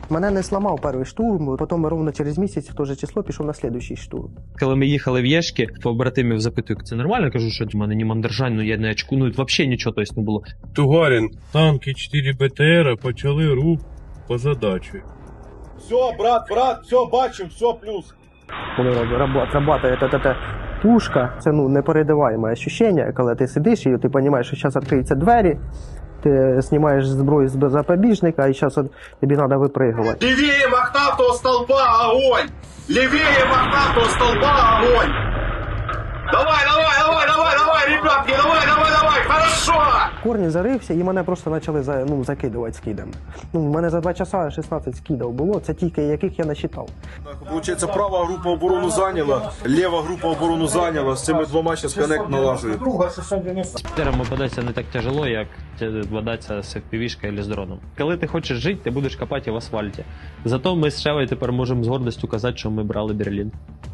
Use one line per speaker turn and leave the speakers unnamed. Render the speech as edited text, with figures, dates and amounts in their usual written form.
Мене не сламав перший штурм, потім ровно через місяць в те же число пішов на слідуючий штурм.
Коли ми їхали в Єшки, побратимів запитую, це нормально? Я кажу, що в мене ні мандержань, ну я не очку, ну взагалі нічого тобто, не було.
Тугарин, танки 4 БТР почали рух по задачі.
Все, брат, все, бачим, все плюс.
Коли працює пушка, це не передаваємо відчуття, коли ти сидиш і ти розумієш, що зараз відкриються двері, ти знімаєш зброю з запобіжника і зараз тобі треба випригувати.
Левее мохнатого столба огонь! Левее мохнатого столба огонь! Давай, ребятки, давай, хорошо!
Корні зарився і мене просто почали закидувати скидами. У мене за 2 часа 16 скидів було, це тільки яких я насчитав.
Получается, права група оборону зайняла, лева група оборону зайняла, з цими двома зараз коннект налажують.
З ПТРами бодатися не так тяжело, як бодатися з FPV-шкою або з дроном. Коли ти хочеш жити, ти будеш копати в асфальті. Зато ми з Шевою тепер можемо з гордістю казати, що ми брали Берлін.